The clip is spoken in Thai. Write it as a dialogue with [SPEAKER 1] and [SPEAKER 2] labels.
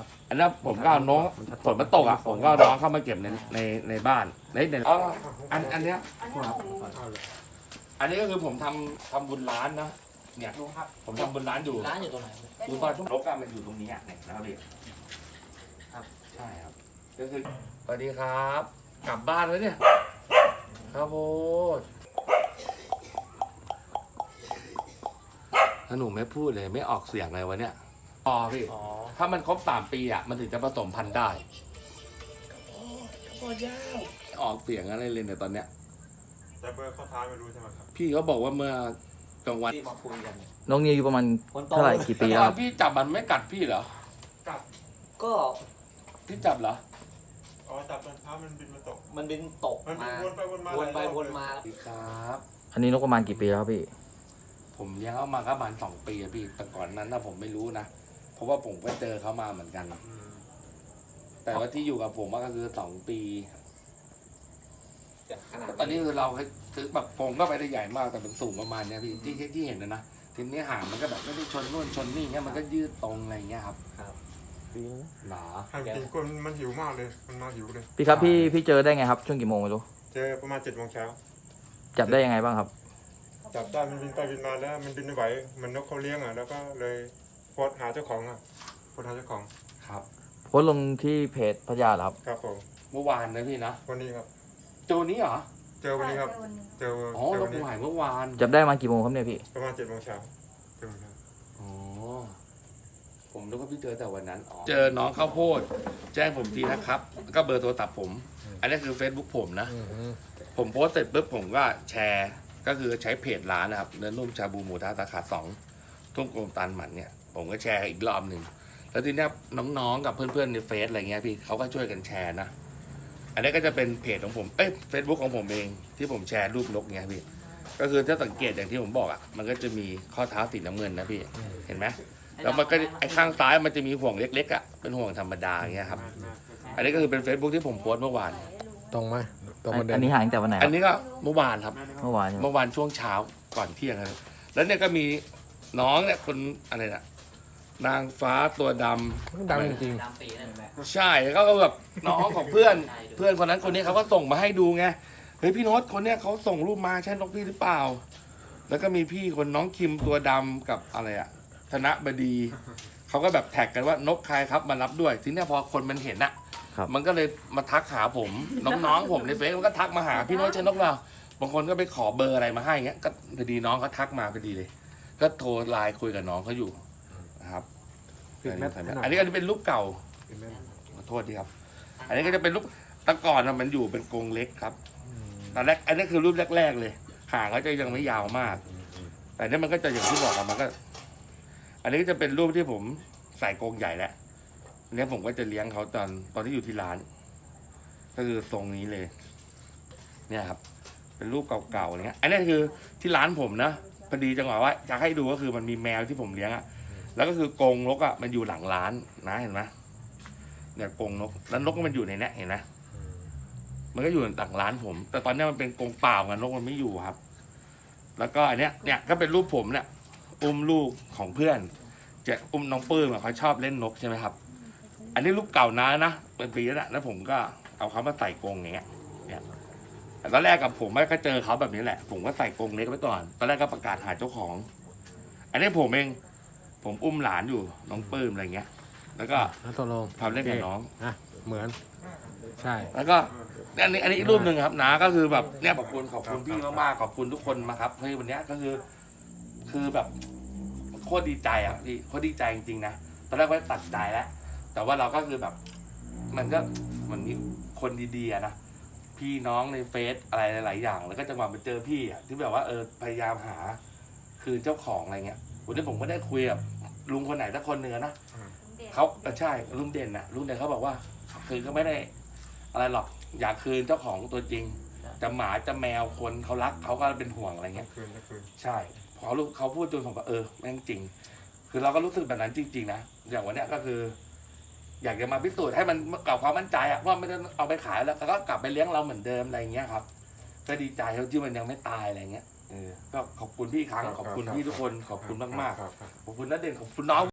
[SPEAKER 1] อันนั้นผมก็เอาน้องฝนมันตกอ่ะผมก็เอาน้องเข้ามาเก็บในบ้านในอันเนี้ยอันนี้ก็คือผมทำบุญร้านนะเนี่ยผมทำบุญร้านอยู่
[SPEAKER 2] ร้านอยู่ตรงไหน
[SPEAKER 1] ดูตอนช่วงรกมันอยู่ตรงนี้อ่ะเนี่ยนะครับพี่ครับใช่ครับก็คือสวัสดีครับกลับบ้านแล้วเนี่ยครับโอ้ถ้าหนูไม่พูดเลยไม่ออกเสียงเลยวะเนี่ยอ๋อพี่ถ้ามันครบ3 ปีอ่ะมันถึงจะผสมพันธุ์ได้โอ้ยาวออกเสียงอะไรเลยเนี่ยตอนเนี้ย
[SPEAKER 3] แต่เบอร์ข้อท้ายไม่รู้ใช่ไหมครับ
[SPEAKER 1] พี่เขาบอกว่าเมื่อกลางวัน
[SPEAKER 2] ที่มาคุยกัน
[SPEAKER 4] น้องนิวอยู่ประมาณเท่าไหร่กี่ปีแล้วครับ
[SPEAKER 1] พี่จับมันไม่กัดพี่เหรอ
[SPEAKER 3] จับ
[SPEAKER 2] ก็
[SPEAKER 1] พี่จับเหรอ
[SPEAKER 3] อ๋อจับตอนเช้ามันบินมาตก
[SPEAKER 2] มันบินตก
[SPEAKER 3] มันบิ
[SPEAKER 2] มาน
[SPEAKER 3] วนไปวนมา
[SPEAKER 2] วนไปวนมา
[SPEAKER 1] สวัสดีครับ
[SPEAKER 4] อันนี้นกประมาณกี่ปีแล้วครับพี่
[SPEAKER 1] ผมเลี้ยงเขามาก็ประมาณ2 ปีอะพี่แต่ก่อนนั้นนะผมไม่รู้นะเพราะว่าผมก็เจอเขามาเหมือนกัน แต่ว่าที่อยู่กับผมก็คือ2 ปีตอนนี้คือเราซื้อแบบผมก็ไปได้ใหญ่มากแต่มันสูงประมาณเนี้ยพี่ที่เห็นนะทีนี้หางมันก็แบบไม่ได้ชนนู่นชนนี่เงี้ยมันก็ยืดตรงอะไรเงี้ยครับหนา
[SPEAKER 3] ให้กินคนมันหิวมากเลยมันมาหิวเลย
[SPEAKER 4] พี่ครับพี่เจอได้ไงครับช่วงกี่โมงไม่รู้
[SPEAKER 3] เจอประมาณ7 โมงเช้า
[SPEAKER 4] จับได้ยังไงบ้างครับ
[SPEAKER 3] จับได้มันบินไปบินมาแล้วมันบินไม่ไหวมันนกเขาเลี้ยงอ่ะแล้วก็เลยโพสต์หาเจ้าของอ่ะโพสต์หาเจ้าของ
[SPEAKER 1] ครับ
[SPEAKER 4] โพสต์ลงที่เพจพญาเหรอครับ
[SPEAKER 3] ครับผม
[SPEAKER 1] เมื่อวานนะพี่นะ
[SPEAKER 3] วันนี้ครับ
[SPEAKER 1] โจนี้เหรอ
[SPEAKER 3] เจอวันนี้ครับเจอ
[SPEAKER 1] อ๋อ
[SPEAKER 3] เจอ
[SPEAKER 1] เรา
[SPEAKER 3] วันนี้
[SPEAKER 1] หายเมื่อวาน
[SPEAKER 4] จับได้มากี่โมงครับเนี่ยพี่
[SPEAKER 3] ประมาณ7 โมงเช้าเจอวันนี้
[SPEAKER 1] อ๋อผมนึกว่าพี่เจอแต่วันนั้นเจอน้องข้าวโพดแจ้งผมทีนะครับก็เบอร์โทรศัพท์ผม อันนี้คือ Facebook ผมนะผมโพสต์เสร็จปุ๊บผมก็แชร์ก็คือใช้เพจร้านนะครับเนื้อนุ่มชาบูหมูทะสาขา2ทุ่งกลมตาลหมันเนี่ยผมก็แชร์อีกรอบหนึ่งแล้วทีเนี้ยน้องๆกับเพื่อนๆในเฟซอะไรเงี้ยพี่เขาก็ช่วยกันแชร์นะอันนี้ก็จะเป็นเพจของผมเฟซบุ๊กของผมเองที่ผมแชร์รูปนกเงี้ยพี่ก็คือถ้าสังเกตอย่างที่ผมบอกอ่ะมันก็จะมีข้อเท้าสีน้ำเงินนะพี่เห็นไหมแล้วมันก็ไอ้ข้างซ้ายมันจะมีห่วงเล็กๆอ่ะเป็นห่วงธรรมดาอย่างเงี้ยครับอันนี้ก็คือเป็น Facebook ที่ผมโพสต์เมื่อวาน
[SPEAKER 5] ตรงไหมตรงประเด็
[SPEAKER 4] อัน
[SPEAKER 5] น
[SPEAKER 4] นี้หายตั้งแต่วันไหนค
[SPEAKER 1] อั
[SPEAKER 4] รั
[SPEAKER 1] น
[SPEAKER 4] บ
[SPEAKER 1] นี้ก็เมื่อวานครับ
[SPEAKER 4] เมื่อวานใช่ไหม
[SPEAKER 1] เมื่อวานช่วงเช้าก่อนเที่ยงครับแล้วเนี่ยก็มีน้องเนี่ยคนอะไรน่ะนางฟ้าตัวดำ
[SPEAKER 5] ดังจริง
[SPEAKER 2] น้ำปีนั่นแหละ
[SPEAKER 1] ใช่เขาก็แบบน้องของเพื่อนคนนั้นคนนี้เขาก็ส่งมาให้ดูไงเฮ้ยพี่โน้ตคนเนี้ยเขาส่งรูปมาใช่นกพี่หรือเปล่า แล้วก็มีพี่คนน้องคิมตัวดำกับอะไรอะธนบดีเขาก็แบบแท็กกันว่านกใครครับมารับด้วยทีเนี้ยพอคนมันเห็นอะมันก็เลยมาทักหาผมน้องๆผมในเฟซมันก็ทักมาหาพี่โน้ตใช่นกเราบางคนก็ไปขอเบอร์อะไรมาให้เงี้ยก็พอดีน้องเขาทักมาพอดีเลย ก็โทรไลน์คุยกับน้องเขาอยู่นะครับ อันนี้เป็นรูปเก่าขอโทษทีครับ อันนี้ก็จะเป็นรูปตะก่อนมันอยู่เป็นกรงเล็กครับตอนแรกอันนี้คือรูปแรกๆเลยหางเขาจะยังไม่ยาวมาก แต่นี่มันก็จะอย่างที่บอกมันก็ อันนี้ก็จะเป็นรูปที่ผมใส่กรงใหญ่แล้วอันนี้ผมก็จะเลี้ยงเขาตอนที่อยู่ที่ร้าน ก็คือทรงนี้เลย เนี่ยครับ เป็นรูปเก่าๆเนี้ย อันนี้คือที่ร้านผมนะพอดีจังหวะว่าจะให้ดูก็คือมันมีแมวที่ผมเลี้ยงอะแล้วก็คือกรงนกอะมันอยู่หลังร้านนะเห็นไหมเนี่ยกรงนกแล้วนกมันอยู่ในนี้เห็นไหมมันก็อยู่หลังร้านผม แต่ตอนนี้มันเป็นกรงเปล่าไงนกมันไม่อยู่ครับ แล้วก็อันเนี้ยเนี่ยก็เป็นรูปผมเนี่ยอุ้มลูกของเพื่อนจะอุ้มน้องปื้มเขาชอบเล่นนกใช่ไหมครับ อันนี้รูปเก่านะเป็นปีแล้วผมก็เอาเขามาใส่กรงอย่างเงี้ยเนี่ยแต่ตอนแรกกับผมก็เจอเขาแบบนี้แหละผมก็ใส่กรงเล็กไว้ก่อนตอนแรกก็ประกาศหาเจ้าของ อันนี้ผมเองผมอุ้มหลานอยู่น้องปื้มอะไรเงี้ยแล้วก็
[SPEAKER 5] แล้วตกลง
[SPEAKER 1] ทำเล่นกับน้อง
[SPEAKER 5] อ่ะเหมือน ใช่
[SPEAKER 1] แล้วก็อันนี้อีกรูปหนึ่งครับนะก็คือแบบเนี่ยขอบคุณพี่มากๆขอบคุณทุกคนมาครับเฮ้ยวันนี้ก็คือแบบโคตรดีใจอ่ะพี่โคตรดีใจจริงๆนะตอนแรกก็ตัดใจแล้วแต่ว่าเราก็คือแบบมันก็มันมีคนดีๆนะพี่น้องในเฟซอะไรหลายๆอย่างแล้วก็จังหวะมาเจอพี่อ่ะที่แบบว่าพยายามหาคือเจ้าของอะไรเงี้ยวันนี้ผมก็ได้คุยกับลุงคนไหนสักคนหนึ่งนะเขาใช่ลุงเด่นนะลุงเด่นเขาบอกว่าคือก็ไม่ได้อะไรหรอกอยากคืนเจ้าของตัวจริงจะหมาจะแมวคนเขารักเขาก็เป็นห่วงอะไรเงี้ยใช่พอลูกเขาพูดจนผมว่าแม่งจริงคือเราก็รู้สึกแบบนั้นจริงๆนะอย่างวันเนี้ยก็คือ อยากจะมาพิสูจน์ให้มันกลับความมั่นใจอะว่าไม่ได้เอาไปขายแล้วก็กลับไปเลี้ยงเราเหมือนเดิมอะไรเงี้ยครับก็ดีใจที่มันยังไม่ตายอะไรเงี้ยก็ขอบคุณพี่ครั้งขอบคุณพี่ทุกคนขอบคุณมากๆขอบคุณนัดเด่นขอบคุณน้อง